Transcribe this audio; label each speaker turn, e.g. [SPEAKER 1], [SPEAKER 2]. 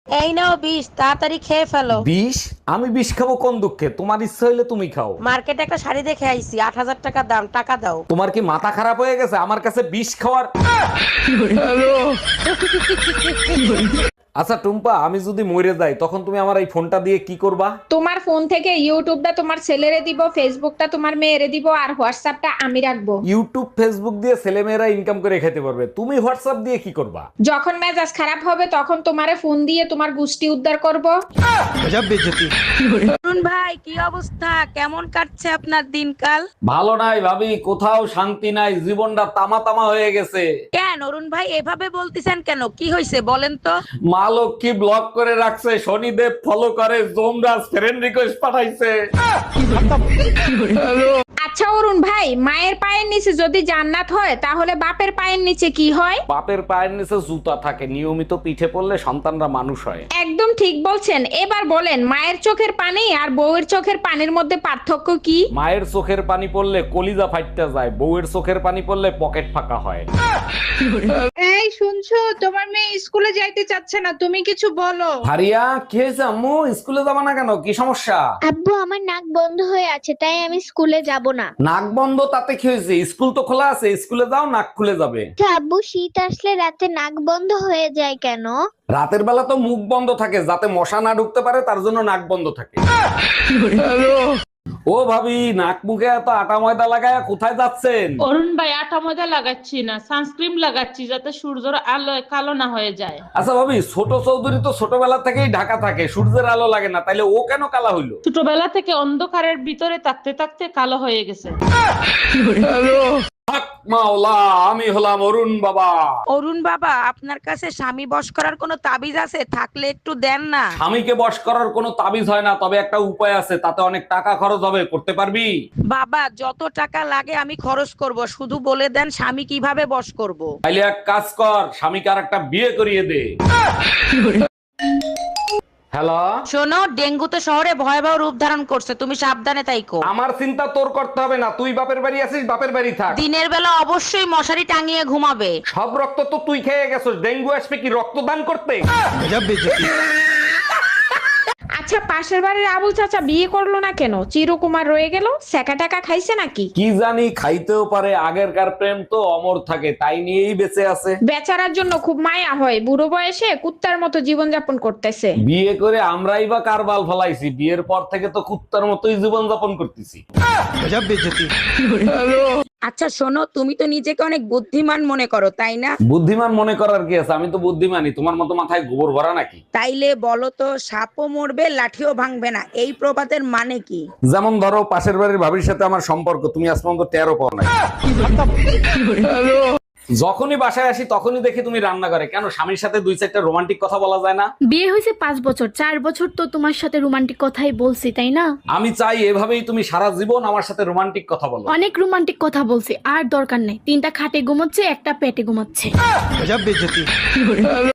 [SPEAKER 1] এই নাও বিষ, তাড়াতাড়ি খেয়ে ফেলো।
[SPEAKER 2] বিষ? আমি বিষ খাবো কোন দুঃখে? তোমার ইচ্ছা হইলে তুমি খাও।
[SPEAKER 1] মার্কেটে একটা শাড়ি দেখে আইছি, 8,000 টাকা দাম, টাকা দাও।
[SPEAKER 2] তোমার কি মাথা খারাপ হয়ে গেছে আমার কাছে বিষ খাওয়ার? আচ্ছা টুম্পা, আমি যদি মরে যাই তখন তুমি আমার এই ফোনটা দিয়ে কি করবা?
[SPEAKER 3] তোমার ফোন থেকে ইউটিউবটা তোমার ছেলেরে দিব, ফেসবুকটা তোমার মেয়েরে দিব, আর হোয়াটসঅ্যাপটা আমি রাখবো।
[SPEAKER 2] ইউটিউব ফেসবুক দিয়ে ছেলেমেয়েরা ইনকাম করে খেতে পারবে, তুমি হোয়াটসঅ্যাপ দিয়ে কি করবা?
[SPEAKER 3] যখন মেজাজ খারাপ হবে তখন তোমারে ফোন দিয়ে তোমার গুষ্টি উদ্ধার করব।
[SPEAKER 1] অরুণ ভাই, কি অবস্থা? কেমন কাটছে আপনার দিনকাল?
[SPEAKER 2] ভালো নাই ভাবি, কোথাও শান্তি নাই, জীবনটা তামা তামা হয়ে গেছে।
[SPEAKER 1] কেন অরুণ ভাই এভাবে বলতেছেন কেন? কি হয়েছে বলেন তো?
[SPEAKER 2] মা লক্ষ্মী ব্লক করে রাখছে, শনিদেব ফলো করে, জোমরাজ ফ্রেন্ড রিকোয়েস্ট পাঠাইছে।
[SPEAKER 3] আচ্ছা অরুণ ভাই, মায়ের পায়ের নিচে যদি জান্নাত হয় তাহলে বাপের পায়ের নিচে কি হয়?
[SPEAKER 2] বাপের পায়ের নিচে জুতা থাকে, নিয়মিত পিঠে পড়লে সন্তানরা মানুষ হয়।
[SPEAKER 3] একদম ঠিক বলছেন। এবার বলেন, মায়ের চোখের পানি আর বউয়ের চোখের পানির মধ্যে পার্থক্য কি?
[SPEAKER 2] মায়ের চোখের পানি পড়লে কলিজা ফাইটটা যায়, বউয়ের চোখের পানি পড়লে পকেট ফাঁকা হয়।
[SPEAKER 4] এই শুনছো, তোমার মেয়ে স্কুলে যাইতে চাচ্ছে না, তুমি কিছু বলো।
[SPEAKER 2] হারিয়া, কি হয়েছে আম্মু? স্কুলে যাবা না কেন? কি সমস্যা?
[SPEAKER 5] আব্বু, আমার নাক বন্ধ হয়ে আছে, তাই আমি স্কুলে যাব না।
[SPEAKER 2] নাক বন্ধ তাতে কি হয়েছে? স্কুল তো খোলা আছে, স্কুলে যাও, নাক খুলে যাবে।
[SPEAKER 5] আচ্ছা আব্বু, শীত আসলে রাতে নাক বন্ধ হয়ে যায় কেন?
[SPEAKER 2] রাতের বেলা তো মুখ বন্ধ থাকে, যাতে মশা না ঢুকতে পারে, তার জন্য নাক বন্ধ থাকে। ও ভাবি, নাক মুখে এত আটা ময়দা লাগায় কোথায় যাচ্ছেন?
[SPEAKER 6] অরুণ ভাই, আটা ময়দা লাগাচ্ছি না, সানস্ক্রিন লাগাচ্ছি যাতে সূর্যের আলোয় কালো না হয়ে যায়।
[SPEAKER 2] আচ্ছা ভাবি, ছোট চৌধুরী তো ছোটবেলা থেকেই ঢাকা থাকে, সূর্যের আলো লাগে না, তাইলে ও কেন কালা হইলো?
[SPEAKER 6] ছোটবেলা থেকে অন্ধকারের ভিতরে থাকতে থাকতে কালো হয়ে গেছে।
[SPEAKER 2] হক মাওলা, আমি হলাম অরুণ বাবা।
[SPEAKER 1] অরুণ বাবা, আপনার কাছে স্বামী বশ করার কোনো তাবিজ আছে? থাকলে একটু দেন না।
[SPEAKER 2] স্বামীকে বশ করার কোনো তাবিজ হয় না, তবে একটা উপায় আছে, তাতে অনেক টাকা খরচ হবে, করতে পারবি?
[SPEAKER 1] বাবা, যত টাকা লাগে আমি খরচ করব, শুধু বলে দেন স্বামী কিভাবে বশ করব।
[SPEAKER 2] তাইলে এক কাজ কর, স্বামীকে আর একটা বিয়ে করিয়ে দে। হ্যালো,
[SPEAKER 1] শোনো, ডেঙ্গু তো শহরে ভয়াবহ রূপ ধারণ করছে, তুমি সাবধানে তাইকো।
[SPEAKER 2] আমার চিন্তা তোর করতে হবে না, তুই বাপের বাড়ি আছিস, বাপের বাড়ি থাক।
[SPEAKER 1] দিনের বেলা অবশ্যই মশারি টাঙিয়ে ঘুমাবে।
[SPEAKER 2] সব রক্ত তো তুই খেয়ে গেছিস, ডেঙ্গু আসবে কি রক্তদান করতে?
[SPEAKER 3] আচ্ছা, পাশের বাড়ির আবুল চাচা বিয়ে করলো না কেন? চিরকুমার রয়ে গেল, সেকা টাকা খাইছে নাকি?
[SPEAKER 2] কি জানি, খাইতেও পারে, আগেরকার প্রেম তো অমর থাকে, তাই নিয়েই বেঁচে আছে।
[SPEAKER 3] বেচারার জন্য খুব মায়া হয়, বুড়ো বয়সে কুত্তার মতো জীবন যাপন করতেছে।
[SPEAKER 2] বিয়ে করে আমরাই বা কার বাল ফলাইছি? বিয়ের পর থেকে তো কুত্তার মতোই জীবন যাপন করতেছি।
[SPEAKER 1] আচ্ছা শোনো, তুমি তো নিজেকে অনেক বুদ্ধিমান মনে করো, তাই না?
[SPEAKER 2] বুদ্ধিমান মনে করার কি আছে? আমি তো বুদ্ধিমানই, তোমার মতো মাথায় গোবর ভরা নাকি?
[SPEAKER 1] তাইলে বলো তো, সাপও মরবে লাঠিও ভাঙবে না, এই প্রবাদের মানে কি?
[SPEAKER 2] যেমন ধরো, পাশের বাড়ির ভাবির সাথে আমার সম্পর্ক, তুমি আজ পর্যন্ত টেরও পাও নাই। যখনই বাসায় আসি তখনই দেখি তুমি রান্না করে, কেন স্বামীর সাথে দুই চারটা রোমান্টিক কথা বলা যায় না?
[SPEAKER 7] বিয়ে হয়েছে 5 বছর, 4 বছর তো তোমার সাথে রোমান্টিক কথাই বলছি, তাই না?
[SPEAKER 2] আমি চাই এভাবেই তুমি সারা জীবন আমার সাথে রোমান্টিক কথা বলো।
[SPEAKER 7] অনেক রোমান্টিক কথা বলছি, আর দরকার নাই। 3টা খাটে ঘুমাচ্ছে, একটা পেটে ঘুমাচ্ছে।